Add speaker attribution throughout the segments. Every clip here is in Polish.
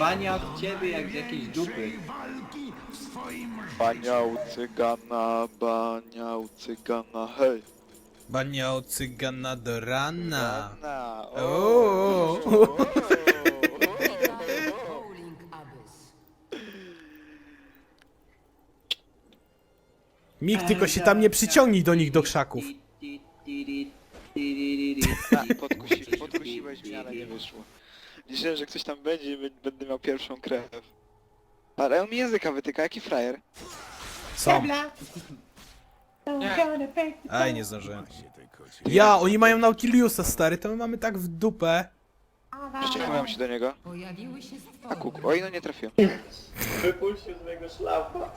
Speaker 1: Bania od ciebie jak z jakiejś dupy.
Speaker 2: Bania u cygana, hej.
Speaker 3: Bania u cygana do rana.
Speaker 2: Rana,
Speaker 3: O.
Speaker 4: Bowling Abyss.
Speaker 3: Mik, tylko się tam nie przyciągnij do nich do krzaków.
Speaker 2: Podkusiłeś mnie, ale nie wyszło. Liczyłem, że ktoś tam będzie i będę miał pierwszą krew. Ale on mi języka wytyka, jaki frajer.
Speaker 3: Co? Aj, nie zdążyłem. Ja, oni mają Nautiliusa, stary, to my mamy tak w dupę.
Speaker 2: Przeciągnąłem się do niego.
Speaker 4: Pojawiły się
Speaker 2: A
Speaker 4: stwory.
Speaker 2: kuk, oj no nie trafiłem.
Speaker 1: Wypuścił z mojego szlafa.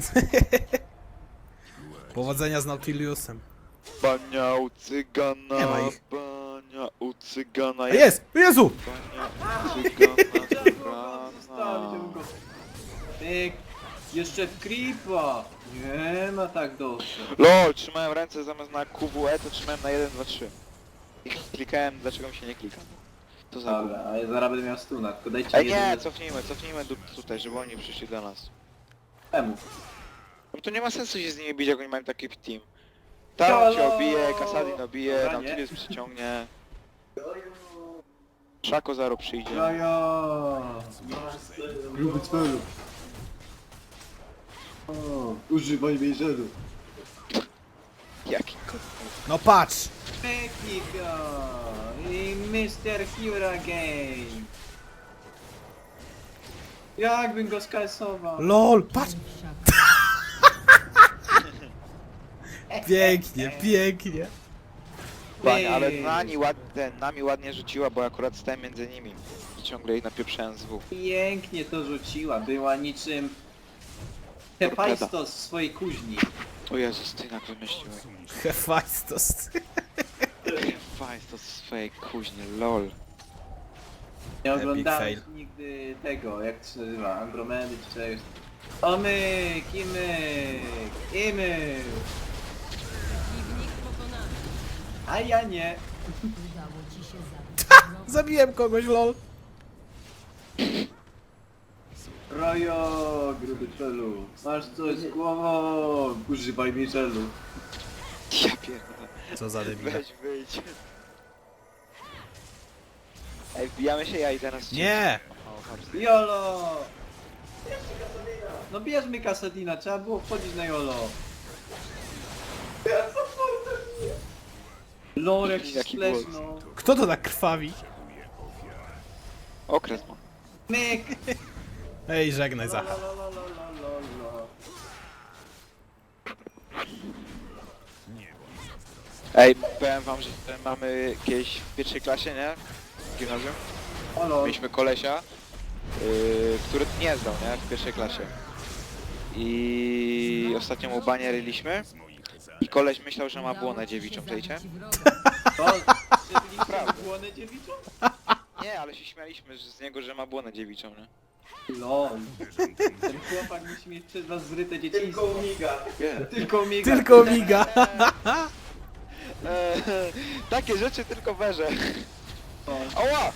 Speaker 3: Powodzenia z Nautiliusem.
Speaker 2: Bania u cygana,
Speaker 3: Nie ma ich.
Speaker 2: bania u cygana,
Speaker 3: A jest! Jezu!
Speaker 2: bania u cygana,
Speaker 1: Zostawić go. Pyk. Jeszcze w creepa. Nie ma tak dobrze.
Speaker 2: LOL, trzymałem ręce zamiast na QWE, to trzymałem na 1, 2, 3. I klikałem, dlaczego mi się nie klika. To za
Speaker 1: Dobra,
Speaker 2: gówno.
Speaker 1: a ja zaraz będę miał stuna, tylko dajcie
Speaker 2: Ej
Speaker 1: mi
Speaker 2: nie,
Speaker 1: jeden...
Speaker 2: cofnijmy tutaj, żeby oni przyszli do nas.
Speaker 1: Temu.
Speaker 2: No to nie ma sensu się z nimi bić, jak oni mają taki team. Tam cię obije, Kasadin obije,
Speaker 1: Dobra, nie?
Speaker 2: Nautilus przyciągnie. Szako zaro przyjdzie.
Speaker 1: Jaja. Gruby celu. O, używaj wejrzeru.
Speaker 2: Jaki kot.
Speaker 3: No patrz!
Speaker 1: Technika i Mr. Hurricane. Jakbym go skasował.
Speaker 3: LOL, patrz! Pięknie, pięknie.
Speaker 2: Panie, ale nami ładnie rzuciła, bo akurat stałem między nimi. I ciągle jej napieprzałem z W.
Speaker 1: Pięknie to rzuciła, była niczym Hephaistos w swojej kuźni.
Speaker 2: O Jezus, ty jak wymyśliłeś.
Speaker 3: Hephaistos.
Speaker 2: Fajst to swojej kuźnie, lol.
Speaker 1: Nie
Speaker 3: Epic
Speaker 1: oglądałeś
Speaker 3: fail.
Speaker 1: nigdy tego, jak to się nazywa, Andromedy czy czegoś. Omyk, imyk.
Speaker 4: Przeciwnik pokonany.
Speaker 1: A ja nie.
Speaker 4: Udało ci się zabić.
Speaker 3: Zabiłem kogoś, lol.
Speaker 1: Rojo, gruby czelu. Masz coś z głową. Używaj mi czelu.
Speaker 2: Ja pierdolę.
Speaker 3: Co za debile.
Speaker 2: Weź wyjdź. Ej, wbijamy się, ja idę na ścianę.
Speaker 3: Nie!
Speaker 1: Jolo! No bierzmy Kasadina, trzeba było wchodzić na Jolo. Lol, jak się
Speaker 2: Jaki
Speaker 1: splesznął.
Speaker 3: Kto to tak krwawi?
Speaker 2: Okres ma.
Speaker 1: Myk!
Speaker 3: Ej, żegnaj Zacha.
Speaker 1: Lo.
Speaker 2: Ej, powiem wam, że mamy kiedyś w pierwszej klasie, nie? W gimnazjum.
Speaker 1: Halo.
Speaker 2: Mieliśmy kolesia, który nie zdał, nie? W pierwszej klasie. I ostatnio mu banie ryliśmy. I koleś myślał, że ma błonę dziewiczą, czajcie?
Speaker 1: To, przebiliście błonę dziewiczą?
Speaker 2: Nie, ale się śmialiśmy z niego, że ma błonę dziewiczą, nie?
Speaker 1: Lol. Ten chłopak musi mieć przez was zryte dzieciństwo. Tylko miga.
Speaker 2: Nie.
Speaker 1: Tylko miga.
Speaker 3: Tylko miga.
Speaker 2: Takie rzeczy tylko werze. Ała!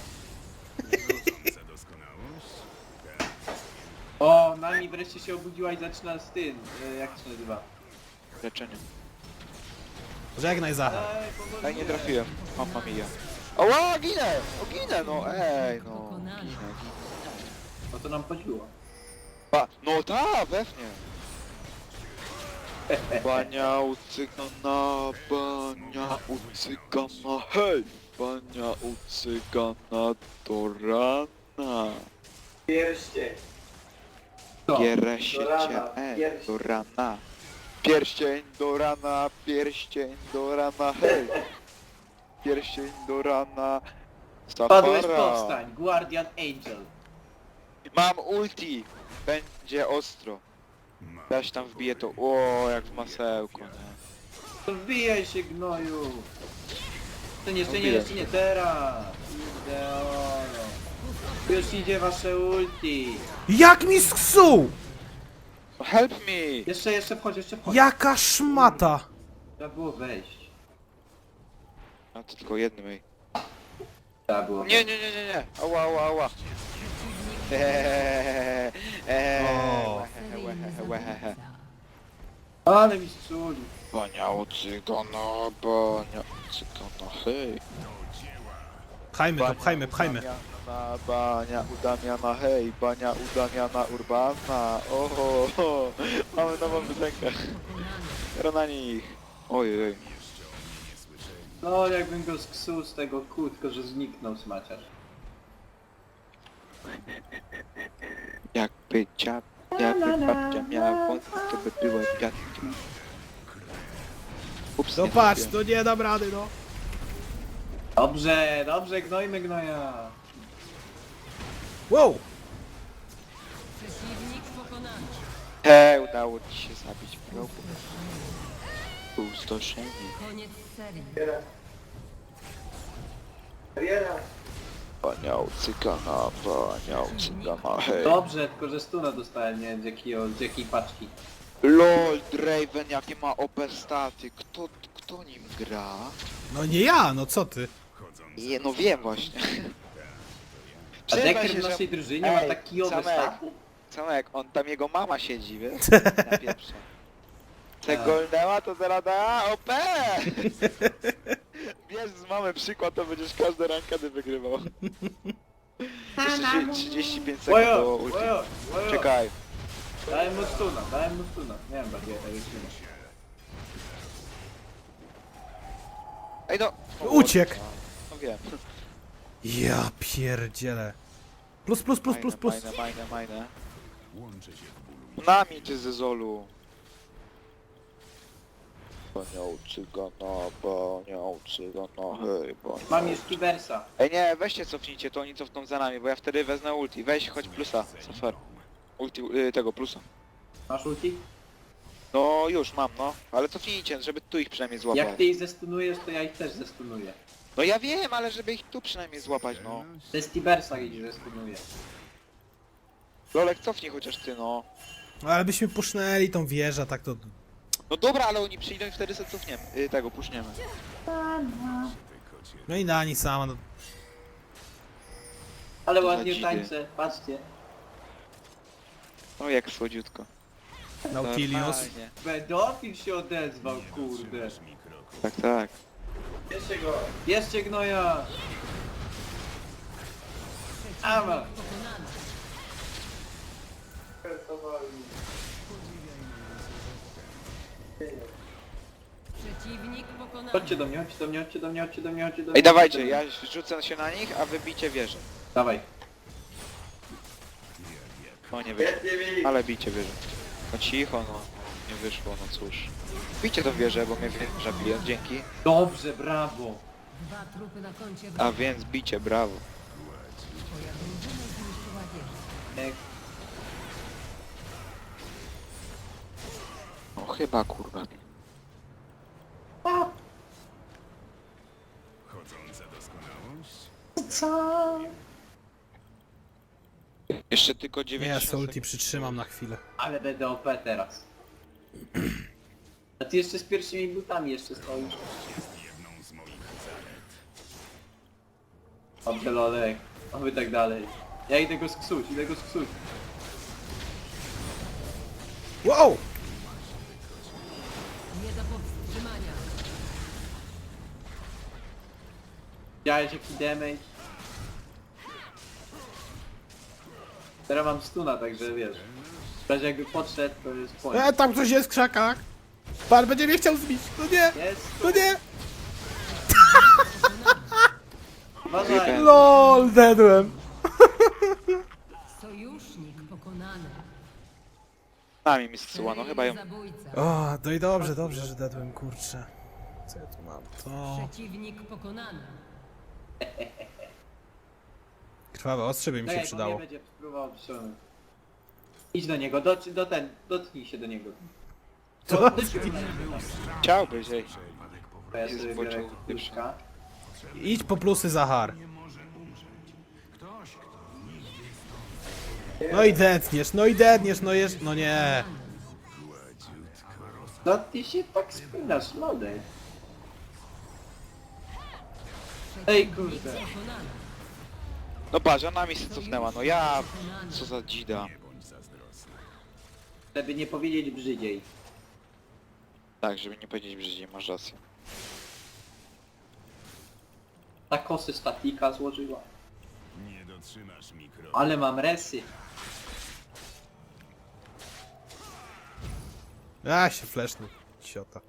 Speaker 1: O, nami wreszcie się obudziła i zaczyna z tym, jak to się nazywa?
Speaker 2: Leczenie.
Speaker 3: Żegnaj Zacha.
Speaker 1: Ej, pomogę.
Speaker 2: Ej, nie trafiłem. Mamma mia. Ała, ginę! O, ginę, no ej, no.
Speaker 4: Pokonany.
Speaker 2: Ginę.
Speaker 1: O to nam chodziło.
Speaker 2: No ta, pewnie. Bania u cygana, hej! Bania u cygana do rana.
Speaker 1: Pierścień. Co?
Speaker 2: Pierścień,
Speaker 1: Do rana, pierścień.
Speaker 2: do rana. Pierścień do rana, hej! Pierścień do rana.
Speaker 1: Padłeś
Speaker 2: Safara.
Speaker 1: powstań, Guardian Angel.
Speaker 2: Mam ulti! Będzie ostro. Ja się tam wbiję to, o jak w masełko, nie?
Speaker 1: To wbijaj się, gnoju. Jeszcze nie,
Speaker 2: Wbiję.
Speaker 1: jeszcze nie, teraz. Ideolo. Już idzie wasze ulti.
Speaker 3: Jak mi sksuł!
Speaker 2: Help me!
Speaker 1: Jeszcze wchodź, jeszcze wchodź.
Speaker 3: Jaka szmata!
Speaker 1: Trzeba było wejść.
Speaker 2: A to tylko jednym, ej.
Speaker 1: Trzeba było
Speaker 2: Nie. Ała.
Speaker 4: Przeciwnik
Speaker 3: O.
Speaker 4: Seryjny zabójca.
Speaker 1: Ale mi strzuli.
Speaker 2: Bania cygana, bania cygana, hej.
Speaker 3: Pchajmy to, pchajmy, pchajmy.
Speaker 2: Bania udamiana, hej, bania udamiana urbana. Oho, mamy nową piosenkę. Gra na nich. Ojej.
Speaker 1: No jakbym go sksuł z tego kół, tylko że zniknął smaciarz.
Speaker 2: Jakby babcia miała wąsy, to by była dziadkiem. Ups,
Speaker 3: No
Speaker 2: nie
Speaker 3: patrz,
Speaker 2: trafiłem.
Speaker 3: to nie dam rady, no.
Speaker 1: Dobrze, dobrze, gnojmy gnoja.
Speaker 3: Wow!
Speaker 4: Przeciwnik pokonany.
Speaker 2: Hej, udało ci się zabić wrogu. Pustoszenie.
Speaker 4: Koniec serii.
Speaker 2: Baniał cygana, hej.
Speaker 1: Dobrze, tylko że stuna dostałem, nie wiem z jakiej paczki.
Speaker 2: LOL, Draven, jakie ma OP staty. Kto nim gra?
Speaker 3: No nie ja, no co ty?
Speaker 2: Nie, no wiem właśnie.
Speaker 1: A
Speaker 2: Przyznaj
Speaker 1: Decker
Speaker 2: się,
Speaker 1: w
Speaker 2: że-
Speaker 1: naszej drużynie ma
Speaker 2: Ej,
Speaker 1: tak kijowe
Speaker 2: Samek.
Speaker 1: staty?
Speaker 2: Samek, on tam jego mama siedzi, wiesz? Na pieprze. Te
Speaker 1: Tak.
Speaker 2: golnęła to zaraz da OP! Bierz z mamy przykład, to będziesz każde rankady wygrywał. Jeszcze 35 sekund do
Speaker 1: Ojo,
Speaker 2: ulti.
Speaker 1: ojo, ojo.
Speaker 2: Czekaj.
Speaker 1: Dałem mu stuna, dałem mu stuna. Nie wiem bardziej tak jak stuna.
Speaker 2: Ej no!
Speaker 3: Uciekł.
Speaker 2: No wiem.
Speaker 3: Ja pierdzielę. Plus, plus, plus, plus, plus.
Speaker 2: Majne. Nami ty ze Zolu. Baniał cygana, hej, baniał.
Speaker 1: Mam już Kibersa.
Speaker 2: Ej nie, weźcie cofnijcie, to oni cofną za nami, bo ja wtedy wezmę ulti. Weź, chodź plusa, Safer. Ulti, tego plusa.
Speaker 1: Masz ulti?
Speaker 2: No już mam, no. Ale cofnijcie, żeby tu ich przynajmniej złapać.
Speaker 1: Jak ty ich zestunujesz, to ja ich też zestunuję.
Speaker 2: No ja wiem, ale żeby ich tu przynajmniej złapać, no.
Speaker 1: To jest Tibersa, ich zestunuję.
Speaker 2: Lolek, cofnij chociaż ty, no.
Speaker 3: No, ale byśmy pusznęli tą wieżę, tak to...
Speaker 2: No dobra, ale oni przyjdą i wtedy sobie cofniemy. Tego, puszniemy.
Speaker 3: No i Nani sama, no.
Speaker 1: Ale
Speaker 2: To
Speaker 1: ładnie
Speaker 2: za
Speaker 1: tańczę, patrzcie.
Speaker 2: O, jak słodziutko.
Speaker 3: Nautilius.
Speaker 2: Normalnie.
Speaker 1: Pedofil się odezwał, kurde.
Speaker 2: Tak, tak.
Speaker 1: Bierzcie go. Bierzcie gnoja. Ama.
Speaker 4: Pokonany. Przeciwnik pokonany.
Speaker 1: Chodźcie do mnie, chodźcie do mnie, chodźcie do mnie, chodźcie do mnie, chodźcie do mnie.
Speaker 2: Ej, dawajcie, ja rzucę się na nich, a wy bijcie wieżę.
Speaker 1: Dawaj.
Speaker 2: No nie wyszło. Ale bijcie wieżę. No cicho, no. Nie wyszło, no cóż. Bijcie tą wieżę, bo mnie wieża bije, dzięki.
Speaker 1: Dobrze, brawo.
Speaker 4: Dwa trupy na koncie
Speaker 2: A
Speaker 4: wroga.
Speaker 2: więc bicie, brawo.
Speaker 4: Twoja drużyna zniszczyła wieżę.
Speaker 1: Jak
Speaker 2: No chyba, kurwa. Jeszcze tylko 9
Speaker 3: Nie, ja ulti przytrzymam na chwilę.
Speaker 1: Ale będę OP teraz. A ty jeszcze z pierwszymi butami jeszcze stoisz. Dobrze, Lolek. Oby tak dalej. Ja idę go sksuć, idę go sksuć.
Speaker 3: Wow!
Speaker 4: Nie do powstrzymania.
Speaker 1: Widziałeś jaki damage? Teraz mam stuna, także wiesz. W razie jakby podszedł, to jest point.
Speaker 3: Tam ktoś jest w krzakach. Pan będzie mnie chciał zbić. No nie,
Speaker 1: Jest!
Speaker 3: no nie.
Speaker 1: Uważaj!
Speaker 3: LOL, dedłem.
Speaker 4: Sojusznik pokonany.
Speaker 2: Nami mi zsyła, no chyba ją...
Speaker 4: Zabójca.
Speaker 3: O, no i dobrze, dobrze, że dedłem, kurczę. Co ja tu mam? To...
Speaker 4: Przeciwnik pokonany.
Speaker 3: Krwawe ostrze by mi się
Speaker 1: Czekaj, bo
Speaker 3: przydało.
Speaker 1: nie będzie spróbował przyciągnąć. Idź do niego, dotknij się do niego.
Speaker 3: Co?
Speaker 2: Chciałbyś, ej.
Speaker 1: To ja
Speaker 2: Jest
Speaker 1: sobie
Speaker 2: w oczu
Speaker 1: biorę kluczka.
Speaker 3: Idź po plusy, Zahar. No i detniesz, no jest... No nie.
Speaker 1: No ty się tak spinasz, lodek. Ej kurde.
Speaker 4: Pokonany.
Speaker 2: No patrz, ona mi się cofnęła, no ja... Co za dzida.
Speaker 1: Żeby nie powiedzieć brzydziej.
Speaker 2: Tak, żeby nie powiedzieć brzydziej, masz rację.
Speaker 1: Ta kosy statika złożyła.
Speaker 5: Nie dotrzymasz mikro.
Speaker 1: Ale mam resy.
Speaker 3: A, się flashnął. Ciota.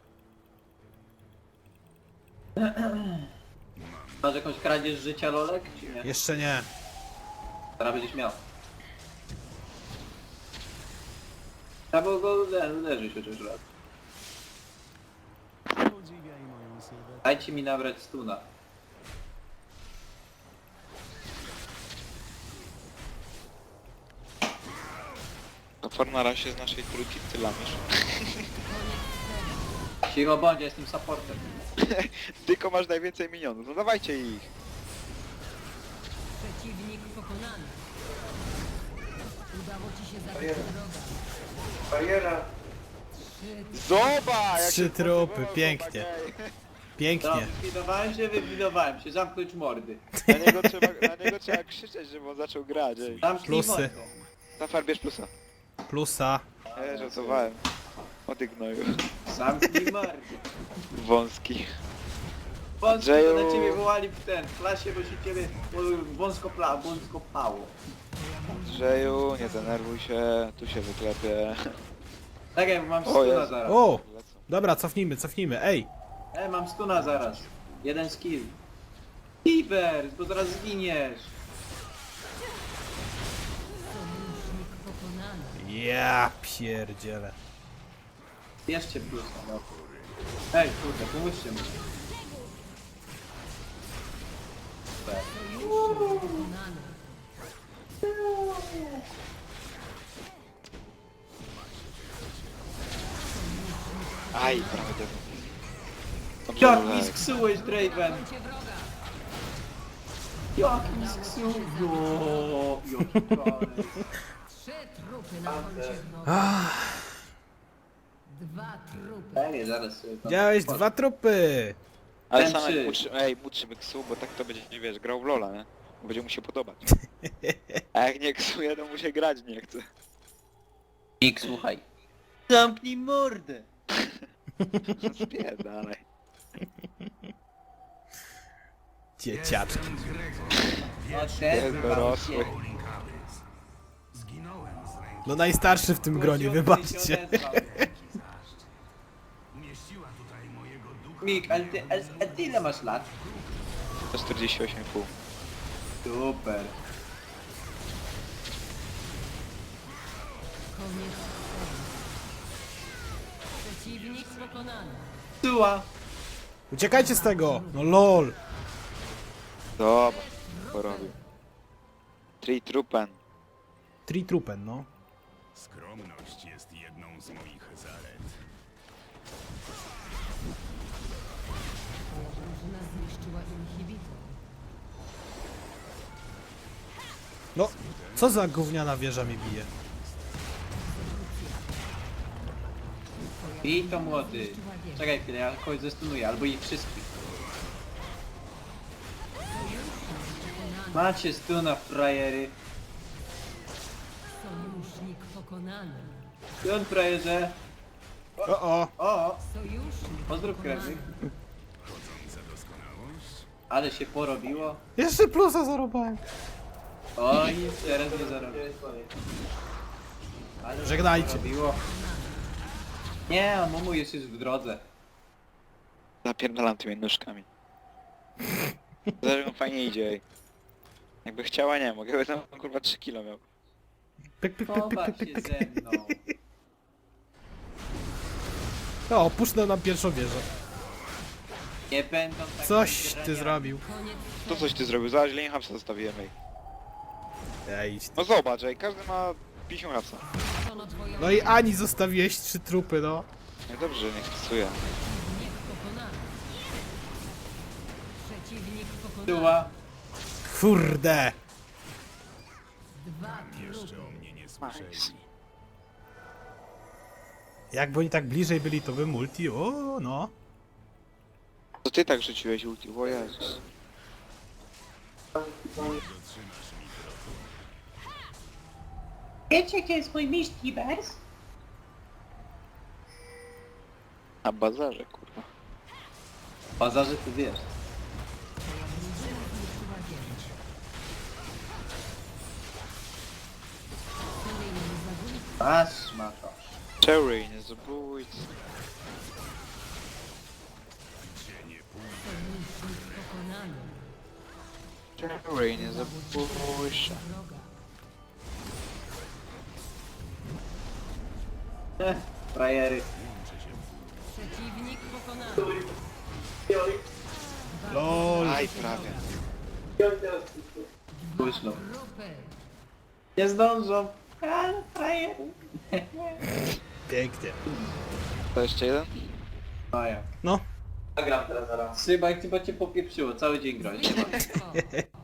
Speaker 1: Masz jakąś kradzież życia, Lolek, czy nie?
Speaker 3: Jeszcze nie.
Speaker 1: Teraz będziesz miał. Trzeba było go uderzyć chociaż raz.
Speaker 5: Podziwiaj moją sylwetkę.
Speaker 1: Dajcie mi nabrać stuna.
Speaker 2: To Fornara się z naszej trójki ty lamisz.
Speaker 1: Cicho bądź, ja jestem supportem.
Speaker 2: Tylko masz najwięcej minionów, no dawajcie ich.
Speaker 4: Przeciwnik pokonany. Udało ci się zabić wroga.
Speaker 1: Bariera.
Speaker 2: Zobacz! jak
Speaker 3: Trzy
Speaker 2: się
Speaker 3: trupy,
Speaker 2: spodziewało,
Speaker 3: pięknie.
Speaker 2: chłopaki.
Speaker 3: Pięknie.
Speaker 1: Wybudowałem się, zamknąć mordy.
Speaker 2: Na niego trzeba krzyczeć, żeby on zaczął grać, ej.
Speaker 1: Zamknij
Speaker 3: Plusy.
Speaker 1: mordę.
Speaker 2: Zafar, bierz plusa.
Speaker 3: Plusa.
Speaker 2: Żartowałem. Odygnoju.
Speaker 1: Zamknij mordę.
Speaker 2: Wąski.
Speaker 1: Wąsko
Speaker 2: Andrzeju.
Speaker 1: to na ciebie wołali w klasie, bo się ciebie wąsko pało.
Speaker 2: Andrzeju, nie denerwuj się, tu się wyklepie.
Speaker 1: Tak jak mam
Speaker 2: O
Speaker 1: stuna
Speaker 2: Jezu.
Speaker 1: zaraz.
Speaker 3: O!
Speaker 2: Lecą.
Speaker 3: Dobra, cofnijmy. Ej!
Speaker 1: Mam stuna zaraz. Jeden skill. Tibers, bo zaraz zginiesz.
Speaker 4: Sojusznik pokonany.
Speaker 3: Ja pierdzielę.
Speaker 1: Jeszcze plusa, no. Ej, kurde, pomóżcie mi.
Speaker 4: Sojusznik pokonany.
Speaker 2: Aj, prawie tego.
Speaker 1: Jak mi sksułeś, Draven?
Speaker 4: Cię wroga.
Speaker 1: Jak mi sksuł? Jo, jaki koniec.
Speaker 4: 3 trupy na koncie wroga. 2 trupy.
Speaker 1: Ej, zaraz sobie tam...
Speaker 3: Widziałeś 2 trupy!
Speaker 2: Ale
Speaker 1: Ten
Speaker 2: sam
Speaker 1: trzy.
Speaker 2: jak młodszy ksu, bo tak to będzie, nie wiesz, grał w Lola, nie? Bo będzie mu się podobać. A jak nie ksuje, to mu się grać nie chce.
Speaker 1: Mik, słuchaj. Zamknij mordę.
Speaker 2: Spierdalaj.
Speaker 3: Dzieciaczki.
Speaker 2: Jest dorosły.
Speaker 5: Zginąłem z ręki.
Speaker 3: No najstarszy w tym gronie, wybaczcie.
Speaker 5: Umieściła tutaj mojego ducha.
Speaker 1: Mik, ale ty ile masz lat?
Speaker 2: 148,5.
Speaker 1: Super.
Speaker 4: Koniec serii. Przeciwnik pokonany.
Speaker 1: Tuła.
Speaker 3: Uciekajcie z tego! No lol!
Speaker 2: Dobra, porobił. Trupen.
Speaker 3: Trupen, no.
Speaker 5: Skromność jest jedną z moich zalet.
Speaker 4: Twoja drużyna zniszczyła inhibitor.
Speaker 3: No, co za gówniana wieża mi bije?
Speaker 1: I to młody. Czekaj chwilę, ja kogoś zestunuję, albo ich wszystkich. Macie stuna, frajery.
Speaker 4: Sojusznik pokonany.
Speaker 1: Stun, frajerze.
Speaker 3: O!
Speaker 1: O,
Speaker 4: Sojusznik
Speaker 1: pozdrów
Speaker 4: pokonany.
Speaker 1: krewnych.
Speaker 5: Chodząca doskonałość.
Speaker 1: Ale się porobiło.
Speaker 3: Jeszcze plusa zarobałem.
Speaker 1: Oj, teraz nie zarobię. Ale się
Speaker 3: Żegnajcie.
Speaker 1: porobiło. Nie, a Mumu jest już w drodze.
Speaker 2: Zapierdalam tymi nóżkami. Zresztą fajnie idzie, ej. Jakby chciała, nie mogę, by tam kurwa 3 kilo miał.
Speaker 3: Pyk, pyk, pyk, pyk,
Speaker 1: Pobaw
Speaker 3: pyk,
Speaker 1: się
Speaker 3: pyk, pyk.
Speaker 1: ze mną.
Speaker 3: O, opuszczę nam pierwszą wieżę.
Speaker 1: Nie będą tak
Speaker 3: Coś ty zrobił.
Speaker 4: Koniec
Speaker 2: To coś ty zrobił, zobacz, ile hapsa zostawiłem, ej.
Speaker 3: Ej, idź ty.
Speaker 2: No zobacz, ej, każdy ma 50 hapsa.
Speaker 4: serii. Twoją
Speaker 3: No i Ani zostawiłeś 3 trupy, no.
Speaker 2: No i dobrze, niech stosuje.
Speaker 4: Przeciwnik pokonany. Przeciwnik pokonany.
Speaker 1: Tuła.
Speaker 3: Kurde!
Speaker 4: 2
Speaker 5: Jeszcze
Speaker 4: trupy.
Speaker 5: o mnie nie słyszeli.
Speaker 2: Nice.
Speaker 3: Jakby oni tak bliżej byli, to by multi, o no.
Speaker 2: To ty tak rzuciłeś ulti, o Jezus.
Speaker 1: Wiecie, gdzie jest mój mistrz Tibers?
Speaker 2: Na bazarze, kurwa.
Speaker 1: W bazarze ty wiesz.
Speaker 4: Twoja drużyna zniszczyła wieżę. Kolejny zabójca.
Speaker 1: Patrz, ma to.
Speaker 2: Cherry, nie zabójcy.
Speaker 4: Sojusznik pokonany.
Speaker 2: Cherry, nie zabójcy.
Speaker 4: Wroga.
Speaker 1: Frajery.
Speaker 4: Przeciwnik pokonany.
Speaker 3: LOL.
Speaker 2: Aj, prawie.
Speaker 1: Późno.
Speaker 4: Grupy.
Speaker 1: Nie zdążą. Ale frajery.
Speaker 3: Pięknie.
Speaker 2: To jeszcze jeden?
Speaker 1: Maja.
Speaker 3: No.
Speaker 1: Zagram teraz zaraz. Szybak, chyba cię popieprzyło. Cały dzień grać.
Speaker 4: Zwycięstwo.